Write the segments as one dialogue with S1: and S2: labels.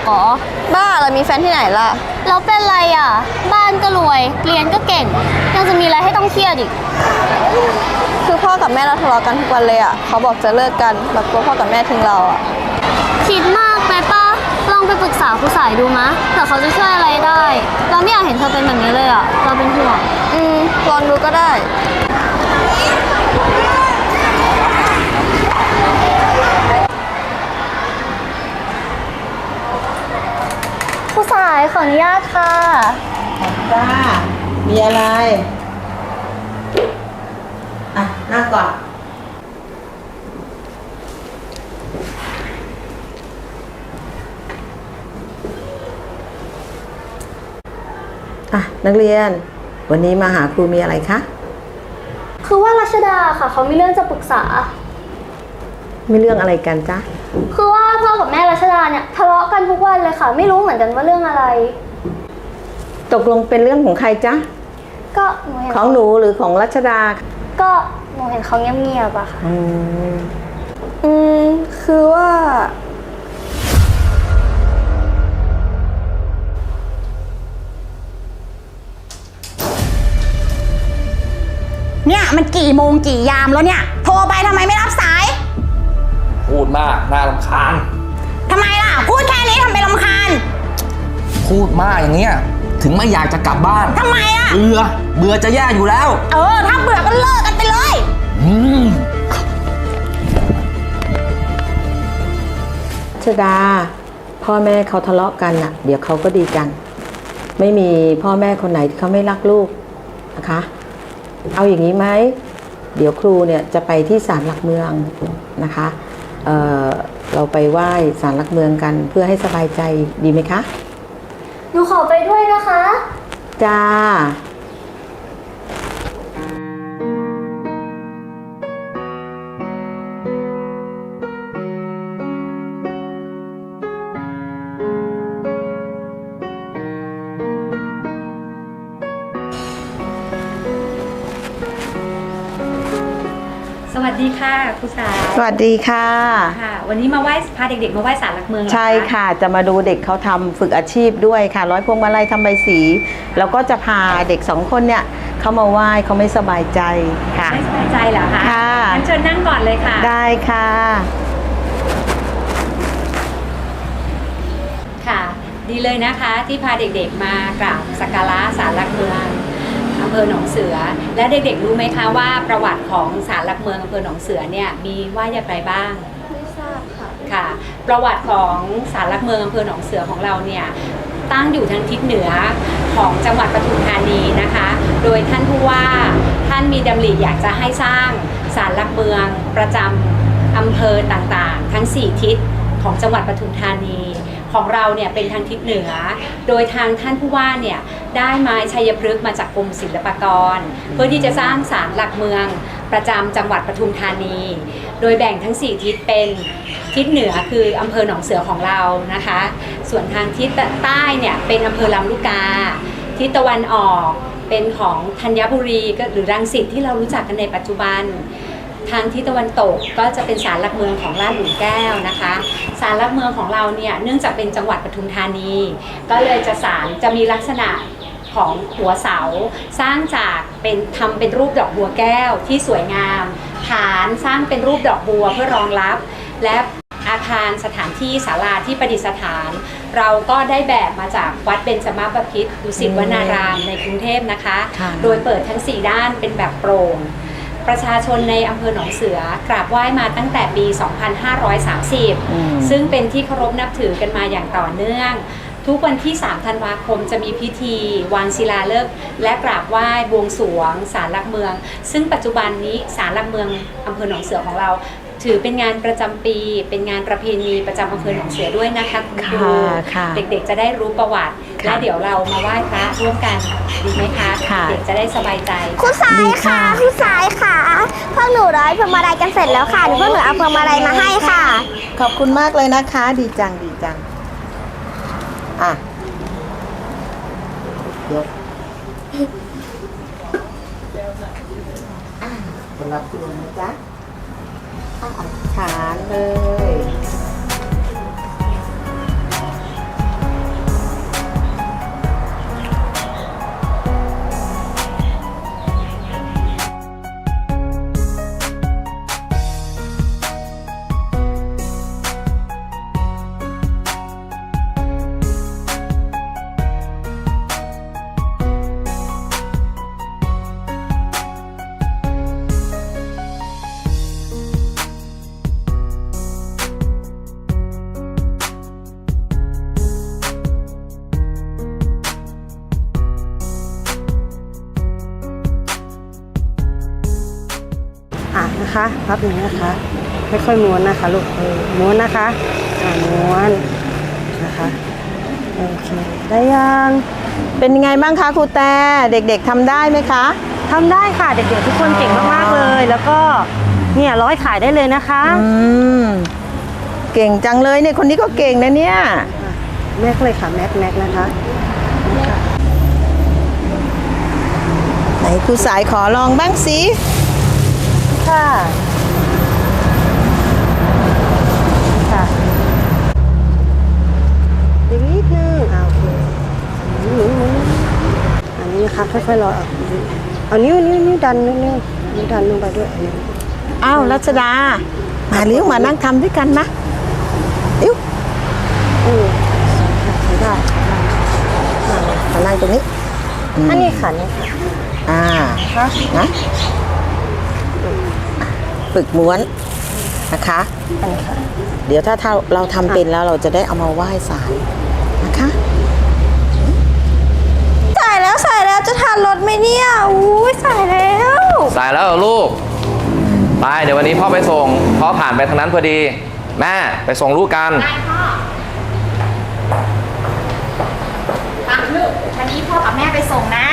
S1: เหรอ
S2: บ้าเรามีแฟนที่ไหนล่ะ
S1: เราเป็นไรอ่ะบ้านก็รวยเรียนก็เก่งยังจะมีอะไรให้ต้องเครียดอีก
S2: คือพ่อกับแม่เราทะเลาะกันทุกวันเลยอ่ะเขาบอกจะเลิกกันเรากลัวพ่อกับแม่ทิ้งเราอ่ะ
S1: คิดมากไปป้าลองไปปรึกษาครูสายดูมะเผื่อเขาจะช่วยอะไรได้เราไม่อยากเห็นเธอเป็นแบบนี้เลยอ่ะเราเป็นห่วง
S2: ลองดูก็ได้
S1: ครูสายขออนุญาตค่ะ
S3: จ้ามีอะไรอ่ะนั่งก่อนนักเรียนวันนี้มาหาครูมีอะไรคะ
S1: คือว่ารัชดาค่ะเขามีเรื่องจะปรึกษา
S3: มีเรื่องอะไรกันจ๊ะ
S1: คือว่าพ่อกับแม่รัชดาเนี่ยทะเลาะกันทุกวันเลยค่ะไม่รู้เหมือนกันว่าเรื่องอะไร
S3: ตกลงเป็นเรื่องของใครจ๊ะ
S1: ก็หนูเห็น
S3: ของหนูหรือของรัชดา
S1: ก็หนูเห็นเขาเงียบๆอะค่ะ
S2: คือว่า
S4: เนี่ยมันกี่โมงกี่ยามแล้วเนี่ยโทรไปทำไมไม่รับสาย
S5: พูดมากน่ารำคาญ
S4: ทำไมล่ะพูดแค่นี้ทำไมรำคาญ
S5: พูดมากอย่างเงี้ยถึงไม่อยากจะกลับบ้าน
S4: ทำไมล่ะ
S5: เบื่อจะแย่อยู่แล้ว
S4: ถ้าเบื่อก็เลิกกันไปเลย
S3: ชดาพ่อแม่เขาทะเลาะกันน่ะเดี๋ยวเขาก็ดีกันไม่มีพ่อแม่คนไหนที่เขาไม่รักลูกนะคะเอาอย่างนี้ไหมเดี๋ยวครูเนี่ยจะไปที่ศาลหลักเมืองนะคะเราไปไหว้ศาลหลักเมืองกันเพื่อให้สบายใจดีไหมคะ
S1: หนูขอไปด้วยนะคะ
S3: จ้า
S6: สวัสดีค่ะครูสาย
S3: สวัสดีค่ะ
S6: วันนี้มาไหว้พาเด็กๆมาไหว้ศาลหลักเมือง
S3: ใช่ค่ะจะมาดูเด็กเขาทำฝึกอาชีพด้วยค่ะร้อยพวงมาลัยทำใบสีแล้วก็จะพาเด็ก2 คนเนี่ยเขามาไหว้เขาไม่สบายใจค่ะ
S6: ไม่สบายใจเหรอคะ
S3: ค่ะ
S6: งั้นเชิญนั่งก่อนเลยค่ะ
S3: ได้ค่ะ
S6: ค่ะดีเลยนะคะที่พาเด็กๆมากราบสักการะศาลหลักเมืองอำเภอหนองเสือและเด็กๆรู้ไหมคะว่าประวัติของศาลหลักเมืองอำเภอหนองเสือเนี่ยมีว่าอย่างไรบ้าง
S1: ไม่ทราบค่ะ
S6: ค่ะประวัติของศาลหลักเมืองอำเภอหนองเสือของเราเนี่ยตั้งอยู่ทางทิศเหนือของจังหวัดปทุมธานีนะคะโดยท่านผู้ว่าท่านมีดำริอยากจะให้สร้างศาลหลักเมืองประจำอำเภอต่างๆทั้ง4ทิศของจังหวัดปทุมธานีของเราเนี่ยเป็นทางทิศเหนือโดยทางท่านผู้ว่าเนี่ยได้ไม้ชัยพฤกษ์มาจากกรมศิลปากรเพื่อที่จะสร้างศาลหลักเมืองประจำจังหวัดปทุมธานีโดยแบ่งทั้ง4ทิศเป็นทิศเหนือคืออำเภอหนองเสือของเรานะคะส่วนทางทิศใต้เนี่ยเป็นอำเภอลำลูกกาทิศตะวันออกเป็นของธัญบุรีหรือรังสิตที่เรารู้จักกันในปัจจุบันทางทิศตะวันตกก็จะเป็นศาลหลักเมืองของลาดหลุมแก้วนะคะศาลหลักเมืองของเราเนี่ยเนื่องจากเป็นจังหวัดปทุมธานีก็เลยจะมีลักษณะของหัวเสาสร้างจากทำเป็นรูปดอกบัวแก้วที่สวยงามฐานสร้างเป็นรูปดอกบัวเพื่อรองรับและอาคารสถานที่ศาลาที่ประดิษฐานเราก็ได้แบบมาจากวัดเบญจมาบพิตรดุสิตวนารามในกรุงเทพนะคะโดยเปิดทั้ง4ด้านเป็นแบบโปร่งประชาชนในอำเภอหนองเสือกราบไหว้มาตั้งแต่ปี 2530 ซึ่งเป็นที่เคารพนับถือกันมาอย่างต่อเนื่องทุกวันที่ 3 ธันวาคมจะมีพิธีวางศิลาฤกษ์และกราบไหว้บวงสรวงศาลหลักเมืองซึ่งปัจจุบันนี้ศาลหลักเมืองอำเภอหนองเสือของเราถือเป็นงานประจำปีเป็นงานประเพณีประจำอำเภอหนองเสือด้วยนะคะคุณครูเด็กๆจะได้รู้ประวัติและเดี๋ยวเรามาไหว้พระร่วมกันดีไหมคะเด็กจะได้สบายใจ
S1: ครูสายค่ะครูสายค่ะพวกหนูร้อยพวงมาลัยกันเสร็จแล้วค่ะเดี๋ยวพวกหนูเอาพวงมาลัยมาให้ค่ะ
S3: ขอบคุณมากเลยนะคะดีจังดีจังอ่ะยกคนรับคุณนะจ๊ะฐานเลย
S7: นะคะพับอย่างนี้นะคะค่อยๆม้วนนะคะลูกม้วนนะคะม้วนนะคะโอเคได้ยัง
S3: เป็นยังไงบ้างคะครูแต่เด็กๆทำได้ไหมคะ
S7: ทำได้ค่ะเด็กๆทุกคนเก่งมากๆเลย แล้วก็เนี่ยร้อยขายได้เลยนะคะ
S3: เก่งจังเลยเนี่ยคนนี้ก็เก่งนะเนี่ย
S7: แม็กเลยค่ะแม็กนะคะ
S3: ไหนครูสายขอลองบ้างสิ
S7: ค่ะค่ะอีกนิดนึงโอเคหมุนอันนี้นะคะค่อยๆรอเอานิ้วดันนิ้วดันลงไปด้วย
S3: อ้าวรัชดา มาเลี้ยวมานั่งทำด้วยกันนะอิ๊ว
S7: ใช้ได้
S3: มานั่งตรงนี้
S7: อันนี้ค่ะนี่ค่ะ
S3: นะฝึกม้วนนะคะ
S7: อันนี้ค่ะ
S3: เดี๋ยวถ้าเราทำเป็นแล้วเราจะได้เอามาไหว้ศาลนะคะ
S2: ใส่แล้วจะทานรถไหมเนี่ยอุ้ยใส่แล้ว
S5: สายแล้วเหรอลูก ไปเดี๋ยววันนี้พ่อไปส่งพ่อผ่านไปทางนั้นพอดี แม่ไปส่งลูกกัน
S4: ปังลูกวันนี้พ่อกับแม่ไปส่งนะ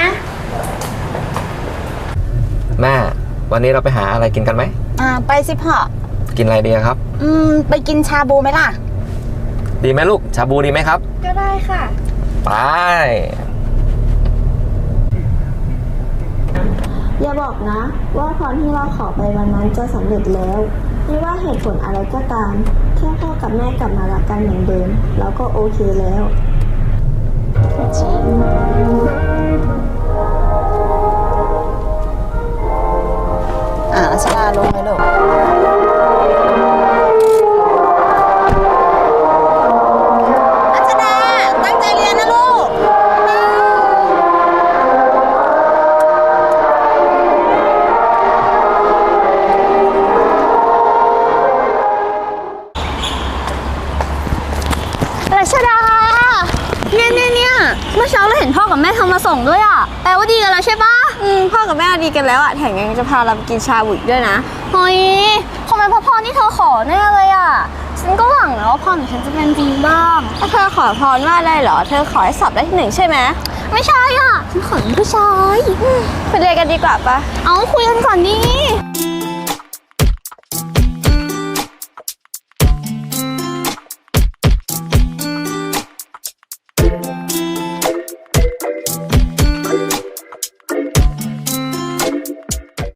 S5: แม่วันนี้เราไปหาอะไรกินกันไหม
S4: ไปสิพ่อ
S5: กินอะไรดีครับ
S4: ไปกินชาบูไหมล่ะ
S5: ดีไหมลูกชาบูดีไหมครับ
S2: ก็ได้ค่ะ
S5: ไป
S1: อย่าบอกนะ ว่าพรที่เราขอไปวันนั้นจะสำเร็จแล้ว ไม่ว่าเหตุผลอะไรก็ตาม แค่พ่อกับแม่กลับมารักกันเหมือนเดิมเราก็โอเคแล้ว
S2: รัชดาลงเลยลูกรัชดาตั้งใจเรียนนะลูก
S1: รัชดา เนี่ยเมื่อเช้าเราเห็นพ่อกับแม่ทำมาส่งด้วยอ่ะแปลว่าดีกันแล้วใช่ปะ
S2: พ่อกับแม่ดีกันแล้วแถมยังจะพาเราไปกินชาบูอีกด้วยนะ
S1: เฮ้ยคงเป็นเพราะพรที่เธอขอแน่เลยอ่ะฉันก็หวังนะว่าพรของฉันจะเป็นจริงบ้าง
S2: ถ้าเธอขอพรว่าได้เหรอ เธอขอให้สอบได้ที่ 1ใช่ไหม
S1: ไม่ใช่อ่ะฉันขอเป็นผู้ชาย
S2: ไปเรียนกันดีกว่าปะ
S1: เอาคุยกันก่อนดิ